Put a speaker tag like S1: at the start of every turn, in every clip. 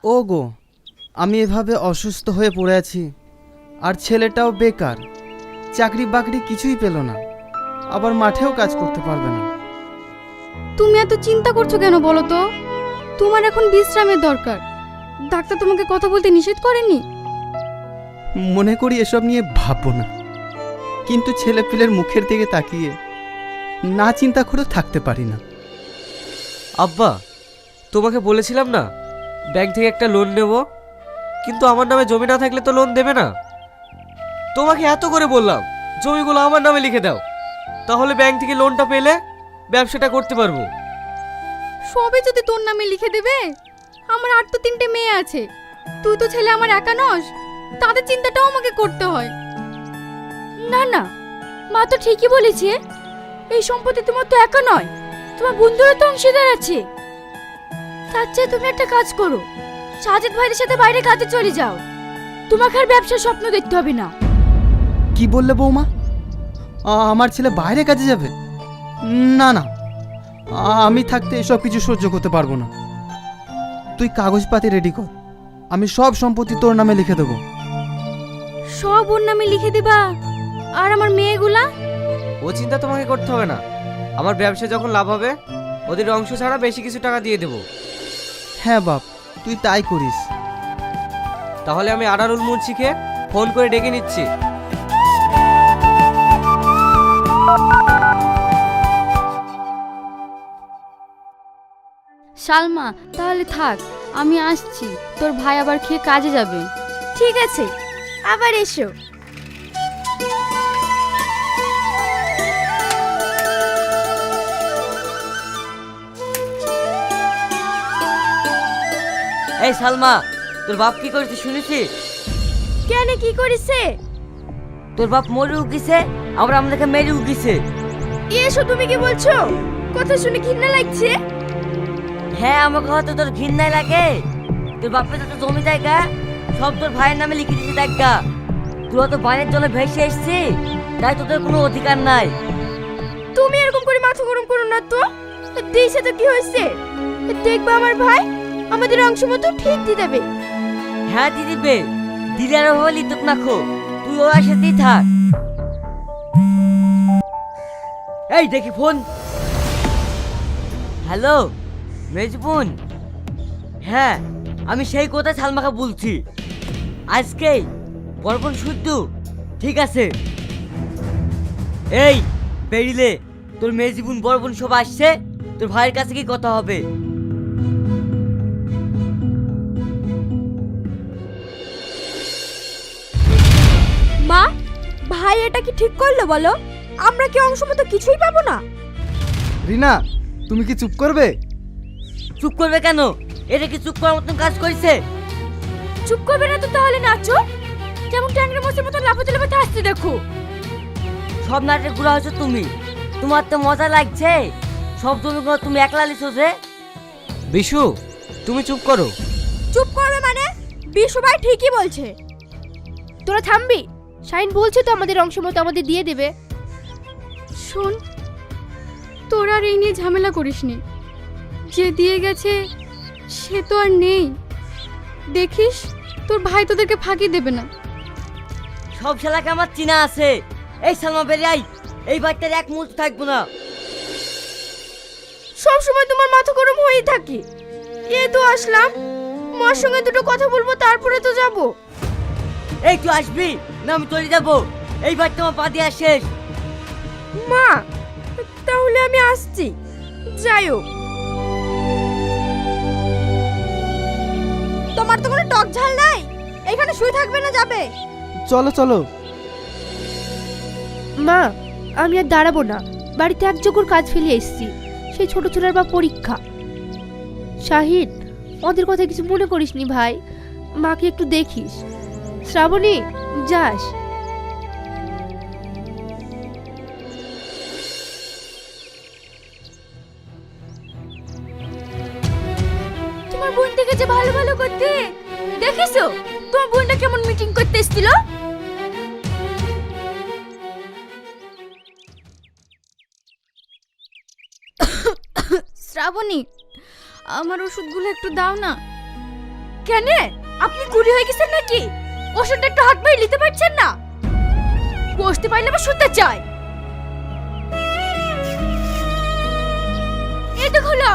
S1: ও গো, আমি এভাবে অসুস্থ হয়ে পড়ে আছি, আর ছেলেটাও বেকার, চাকরি বাকরি কিছুই পেল না, আবার মাঠেও কাজ করতে পারবে না।
S2: তুমি এত চিন্তা করছো কেন বলো তো? তোমার এখন বিশ্রামের দরকার। ডাক্তার তোমাকে কথা বলতে নিষেধ করেনি?
S1: মনে করি এসব নিয়ে ভাববো না, কিন্তু ছেলে পিলের মুখের দিকে তাকিয়ে না চিন্তা করে থাকতে পারি না।
S3: আব্বা, তোমাকে বলেছিলাম না ব্যাংক থেকে একটা লোন নেব, কিন্তু আমার নামে জমি না থাকলে তো লোন দেবে না। তোমাকে এত করে বললাম জমিগুলো আমার নামে লিখে দাও, তাহলে ব্যাংক থেকে লোনটা পেলে ব্যবসাটা করতে পারবো।
S2: সবে যদি তোর নামে লিখে দেবে, আমার আর তো 3টে মেয়ে আছে, তুই তো ছেলে আমার একা নস, তাদের চিন্তাটাও আমাকে করতে হয়। না না, মা তো ঠিকই বলেছে, এই সম্পত্তি তোমার তো একা নয়, তোমার বন্ধুরা তো অংশীদার আছে। তার চেয়ে তুমি একটা কাজ করো, সাজেদ ভাইয়ের সাথে বাইরে কাজে চলে যাও, তোমাকে আর ব্যবসার স্বপ্ন দেখতে হবে না।
S1: কি বললে বৌমা? আমার ছেলে বাইরে কাজে যাবে? না না, আমি থাকতে এসব কিছু সহ্য করতে পারবো না। তুই কাগজপাতি রেডি কর, আমি সব সম্পত্তি তোর নামে লিখে দেবো।
S2: সব ওর নামে লিখে দিবা? আর আমার মেয়েগুলা?
S3: ও চিন্তা তোমাকে করতে হবে না, আমার ব্যবসা যখন লাভ হবে ওদের অংশ ছাড়া বেশি কিছু টাকা দিয়ে দেবো।
S1: হ্যাঁ বাপ, তুই তাই করিস।
S3: তাহলে আমি আনারুল মুন্সিকে ফোন করে ডেকে নিচ্ছি।
S2: সালমা, তাহলে থাক, আমি আসছি, তোর ভাই আবার খেয়ে কাজে যাবে। ঠিক আছে, আবার এসো।
S4: এই সালমা, তোর বাপ কি করেছে শুনেছিস?
S2: কেন, কি করেছে?
S4: তোর বাপ মরে উগিছে, আবার আমাদেরকে মেরে উগিছে।
S2: এসো, তুমি কি বলছো? কথা শুনে ঘৃণা লাগছে।
S4: হ্যাঁ, আমাকে হয়তো তোর ঘৃণাই লাগে। তোর বাপের তো জমি জায়গা সব তোর ভাইয়ের নামে লিখে দিয়েছে দেখা। তোরা তো বাইরের জন্য ভেসে এসছি, তাই তোদের কোনো অধিকার নাই।
S2: তুমি এরকম করে মাথা গরম করো না তো। দেশে তো কি হয়েছে দেখবা, আমার ভাই আমাদের অংশ মতো ঠিক দিয়ে দেবে।
S4: হ্যাঁ দিয়ে দিবে, দিলে আর হলি তোক না খো, তুই ওর সাথেই থাক। এই দেখি ফোন। হ্যালো মেজবুন, হ্যাঁ আমি সেই কথা সালমাকে বলছি, আজকেই বরবন শুদ্ধ। ঠিক আছে, এই বেরিলে তোর মেজবুন বরবন সব আসছে, তোর ভাইয়ের কাছে কি কথা হবে।
S2: মা, ভাই এটা কি ঠিক করলো বলো? আমরা কি অংশ মতো কিছুই পাবো না?
S1: রিনা, তুমি কি চুপ করবে?
S4: চুপ করবে কেন? এটা কি চুপ করার মতন কাজ করেছে?
S2: চুপ করবে না তো তাহলে নাচো, যেমন ট্যাংরা মাছের মতো লাফাতে লাফাতে আসছে দেখো।
S4: সব নাটক ঘুরা হচ্ছে তুমি, তোমার তো মজা লাগছে। সব জমিগুলো তুমি একলা লিখছো যে।
S3: বিশু, তুমি চুপ করো।
S2: চুপ করবে মানে? বিশু ভাই ঠিকই বলছে। তোরা থামবি? শাইন বলছে তো আমাদের অংশ মতো আমাদের দিয়ে দেবে। শোন, তোরা আর এই নিয়ে ঝামেলা করিসনি, যে দিয়ে গেছে সে তো আর নেই। দেখিস তোর ভাই তোদেরকে ফাঁকি দেবে না।
S4: সব শালাকে আমার চিনা আছে। এই সালমা বেরিয়ে আই, এই বাচ্চার এক মুহূর্ত থাকবো না।
S2: সব সময় তোমার মাথা গরম হয়েই থাকে। এই তো আসলাম, মার সঙ্গে দুটো কথা বলবো, তারপরে তো যাব।
S4: এই তুই আসবি না আমি চলে যাবো? এই বাচ্চা আমার পা দিয়ে শেষ।
S2: মা, তাহলে আমি আসছি, যাই হোক। তোমার তো কোনো টক ঝাল নাই, এখানে শুয়ে থাকবে না, যাবে?
S1: চলো চলো।
S5: মা, আমি আর দাঁড়াবো না, বাড়িতে একযোগ্যর কাজ ফেলে এসেছি, সেই ছোট ছোটার বা পরীক্ষা। শাহিদ, ওদের কথা কিছু মনে করিসনি ভাই, মাকে একটু দেখিস। শ্রাবণী, যাস।
S2: তোমার বোন দেখেছে ভালো ভালো করতে, দেখিছো তোমার বোনটা কেমন মিটিং করতে এসেছিল? শ্রাবণী, আমার ওষুধগুলো একটু দাও না। কেন আপনি কুড়ি হয়ে গেছেন নাকি? ওষুধটা একটু হাত বাড়িয়ে নিতে পারছেন না? বসতে পারলে আবার শুতে চাই। এই তো হলো।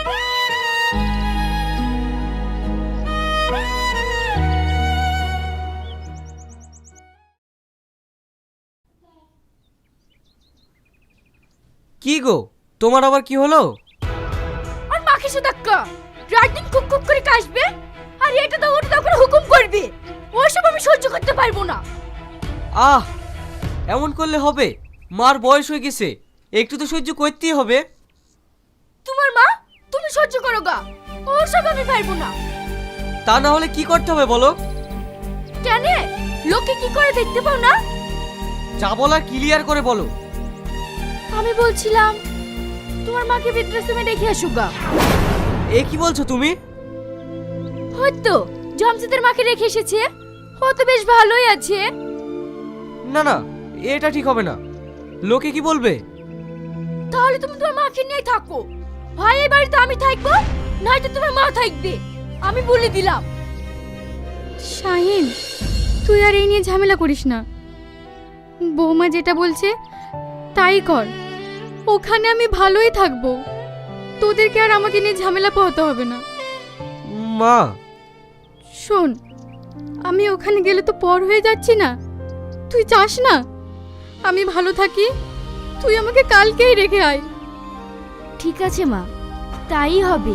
S3: কি গো, তোমার আবার কি হলো?
S2: আর মাকে সুদাক্কা রাত দিন কুক কুক করে কাশবে আর এটা দাও ওটা দাও করে হুকুম করবে। ওসব আমি সহ্য করতে পারবো না।
S3: আহ, এমন করলে হবে? মার বয়স হয়ে গেছে, একটু তো সহ্য করতেই হবে।
S2: তোমার মা, তুমি সহ্য করো গা, ওসব আমি পারবো না।
S3: তা না হলে কি করতে হবে বলো?
S2: কেন লোকে কি করে দেখতে পাও না?
S3: যা বলার ক্লিয়ার করে বলো।
S2: আমি বলছিলাম তোমার মাকে বৃদ্ধাশ্রমে রেখে আসো গা।
S3: এ কি বলছো তুমি?
S2: হয়তো জমজেদের মাকে রেখে এসেছে, ও তো বেশ ভালোই আছে।
S3: না না, এটা ঠিক হবে না। লোকে কি বলবে?
S2: তাহলে তুমি তোমার মাকে নিয়ে থাকো, ভাই এই বাড়িতে আমি থাকবো, নয়তো তোমার মা থাকবে, আমি বলে দিলাম। শাহিন, তুই আর এই নিয়ে ঝামেলা করিস না। বৌমা যেটা বলছে তাই কর, ওখানে আমি ভালোই থাকবো, তোদেরকে আর আমাকে নিয়ে ঝামেলা পোহাতে হবে না।
S3: মা,
S2: শোন, আমি ওখানে গেলে তো পর হয়ে যাচ্ছি না? তুই চাস না আমি ভালো থাকি? তুই আমাকে কালকেই রেখে আয়। ঠিক আছে মা, তাই হবে।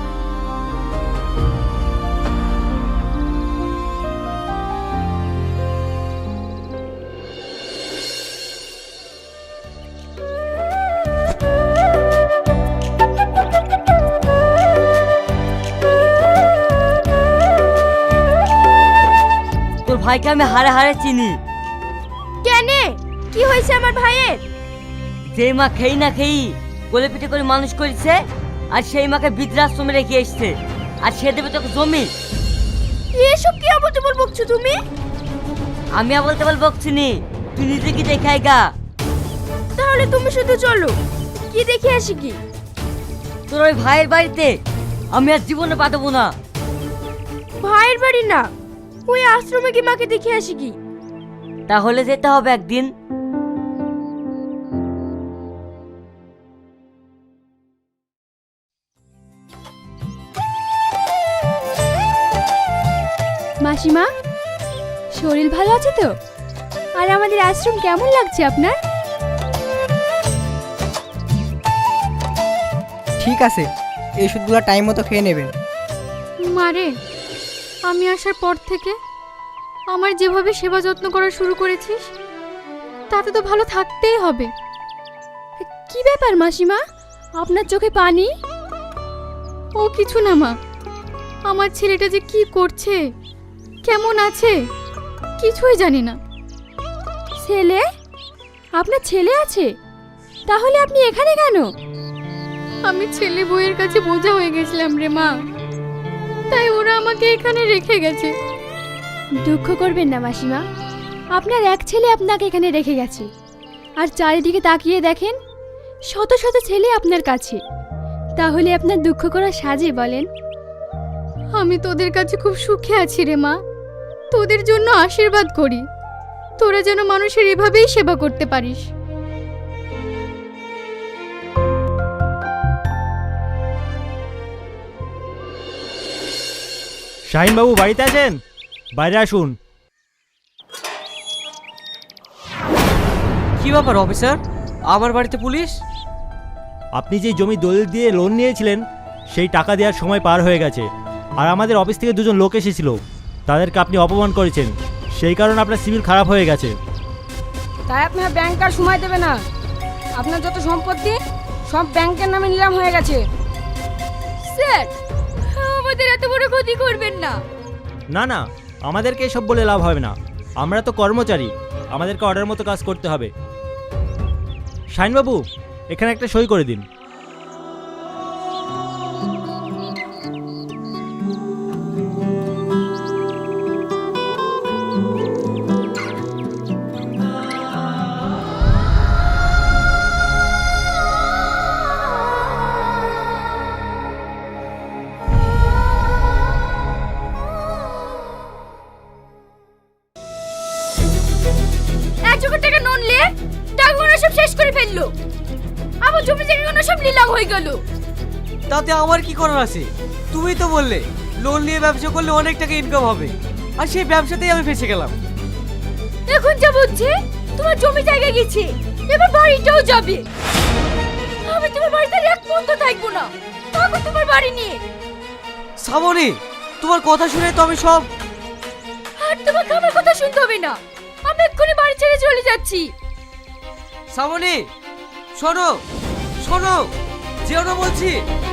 S4: তোর ভাইকে আমি হারে হারে চিনি।
S2: কেন, কি হয়েছে আমার ভাইয়ের?
S4: যেই মা খেই না খেই কোলে পিঠে করে মানুষ করেছে, আর সেই মাকে বৃদ্ধাশ্রমে রেখে এসছে, আর সে দেবে তোকে জমি।
S2: এসব কি আবল তাবল বকছো তুমি?
S4: আমি আবল তাবল বকছি নি, তুই নিজে কি দেখাই গা।
S2: তাহলে তুমি শুধু চলো, কি দেখে আসি কি?
S4: তোর ওই ভাইয়ের বাড়িতে আমি আর জীবনে পাঠাবো না।
S2: ভাইয়ের বাড়ি না, ওই আশ্রমে কি মাকে দেখে আসি কি?
S4: তাহলে যেতে হবে একদিন।
S2: মাসিমা, শরীর ভালো আছে তো? আর আমাদের আশ্রম কেমন লাগছে আপনার?
S6: ঠিক আছে, এই ওষুধগুলো টাইম মতো খেয়ে নেবেন।
S2: মারে, আমি আসার পর থেকে আমার যেভাবে সেবা যত্ন করা শুরু করেছিস, তাতে তো ভালো থাকতেই হবে। কি ব্যাপার মাসিমা, আপনার চোখে পানি? ও কিছু না মা, আমার ছেলেটা যে কি করছে, কেমন আছে, কিছুই জানি না। ছেলে? আপনার ছেলে আছে? তাহলে আপনি এখানে কেন? আমি ছেলে বউয়ের কাছে বোঝা হয়ে গেছিলাম রে মা, তাই ওরা আমাকে এখানে রেখে গেছে। দুঃখ করবেন না মাসিমা, আপনার এক ছেলে আপনাকে এখানে রেখে গেছে, আর চারিদিকে তাকিয়ে দেখেন শত শত ছেলে আপনার কাছে, তাহলে আপনার দুঃখ করা সাজে বলেন? আমি তোদের কাছে খুব সুখে আছি রে মা, তোদের জন্য আশীর্বাদ করি, তোরা যেন মানুষের এভাবেই সেবা করতে পারিস।
S7: শাহিনবাবু বাড়িতে আছেন? বাইরে আসুন।
S3: কি ব্যাপার অফিসার, আমার বাড়িতে পুলিশ?
S7: আপনি যে জমি দলিল দিয়ে লোন নিয়েছিলেন, সেই টাকা দেওয়ার সময় পার হয়ে গেছে, আর আমাদের অফিস থেকে দুজন লোক এসেছিল, তাদেরকে আপনি অপমান করেছেন, সেই কারণে আপনার সিভিল খারাপ হয়ে গেছে।
S8: তাই আপনার ব্যাংক আর সময় দেবে না, আপনার যত সম্পত্তি সব ব্যাংকের নামে নিলাম হয়ে গেছে।
S2: স্যার, আমাদের এত বড় ক্ষতি করবেন না।
S7: না না, আমাদেরকে এসব বলে লাভ হবে না, আমরা তো কর্মচারী, আমাদেরকে অর্ডার মতো কাজ করতে হবে। শাহিনবাবু, এখানে একটা সই করে দিন।
S2: গেল, আমার জমি জায়গাগুলো সব নিলাম হয়ে গেল।
S3: তাতে আমার কি করার আছে? তুমিই তো বললে লোন নিয়ে ব্যবসা করলে অনেক টাকা ইনকাম হবে, আর সেই ব্যবসাতেই আমি ফেসে গেলাম।
S2: এখন যা বুঝছি তোমার জমি জায়গা গেছে, এবার বাড়িটাও যাবে। আমি তোমার বাড়িতে আর এক মুহূর্ত থাকবো না, থাকো তোমার বাড়ি নিয়ে।
S3: শ্রাবণী, তোমার কথা শুনে তো আমি সব...
S2: আর তোমাকে আমার কথা শুনতে হবে না, আমি এক্ষুনি বাড়ি ছেড়ে চলে যাচ্ছি।
S3: শ্রাবণী, শোনো শোনো, যেও না বলছি।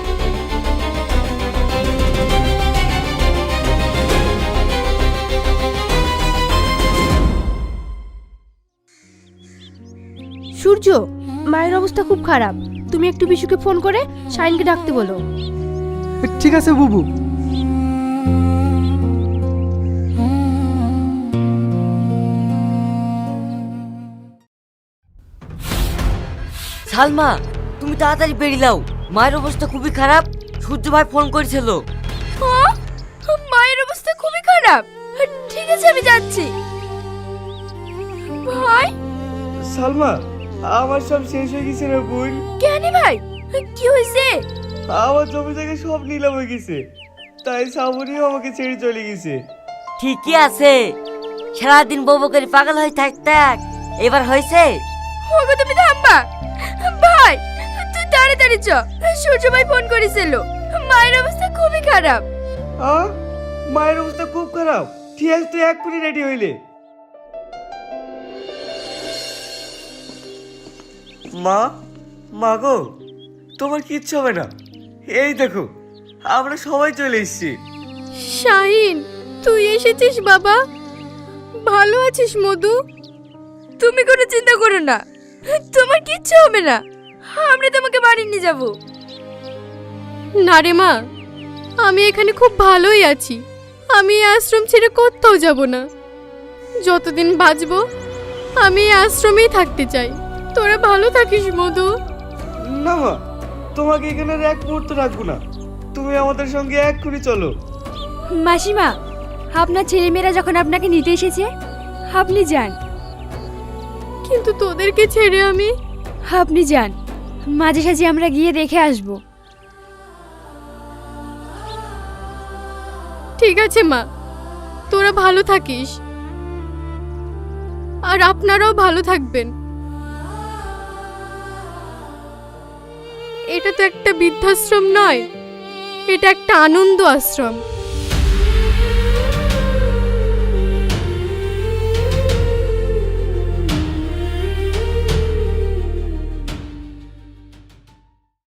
S5: সূর্য, মায়ের অবস্থা খুব খারাপ, তুমি একটু বিশুকে ফোন করে শাইনকে ডাকতে বলো।
S1: ঠিক আছে বুবু।
S4: সালমা, তুমি তাড়াতাড়ি বেরিয়ে দাও, মায়ের অবস্থা খুবই খারাপ। সূর্য ভাই ফোন করেছিল।
S2: হ্যাঁ, মায়ের অবস্থা খুবই খারাপ। ঠিক আছে, আমি যাচ্ছি। ভাই,
S9: সালমা, আমার সব শেষ হয়ে গেছে রে বোন।
S2: কেন ভাই, কি হয়েছে?
S9: আমার জমি জায়গা সব নিলাম হয়ে গেছে, তাই শ্রাবণীও আমাকে ছেড়ে চলে গেছে।
S4: ঠিকই আছে, সারাদিন বউ করে পাগল হয়ে থাক, এবার হয়েছে।
S2: ওগো তুমি থামবা। ভাই, তুই তাড়াতাড়ি চ, সূর্য ভাই ফোন করেছিল, মায়ের অবস্থা খুবই খারাপ।
S9: মায়ের অবস্থা খুব খারাপ? ঠিক আছে, তুই এক্ষুনি রেডি হইলে। মা গো, তোমার কিচ্ছু হবে না। এই দেখো, আমরা সবাই চলে এসেছি।
S2: শাহিন, তুই এসেছিস বাবা? ভালো আছিস মধু? তুমি কোনো চিন্তা করো না, তোমার কিচ্ছু হবে না, আমরা তোমাকে বাড়ি নিয়ে যাব। না রে মা, আমি এখানে খুব ভালোই আছি, আমি এই আশ্রম ছেড়ে কোথাও যাব না। যতদিন বাঁচবো আমি এই আশ্রমেই থাকতে চাই। তোরা ভালো থাকিস মধু।
S9: না মা, তোমাকে এখানে আর এক মুহূর্ত রাখবো না, তুমি আমাদের সঙ্গে এক্ষুনি চলো।
S2: মাসিমা, আপনার ছেলেমেয়েরা যখন আপনাকে নিতে এসেছে, আপনি যান। কিন্তু তোদেরকে ছেড়ে আমি? আপনি যান, মাঝে সাঝে আমরা গিয়ে দেখে আসব। ঠিক আছে মা, তোরা ভালো থাকিস, আর আপনারাও ভালো থাকবেন। এটা তো একটা বৃদ্ধাশ্রম নয়, এটা একটা আনন্দ আশ্রম।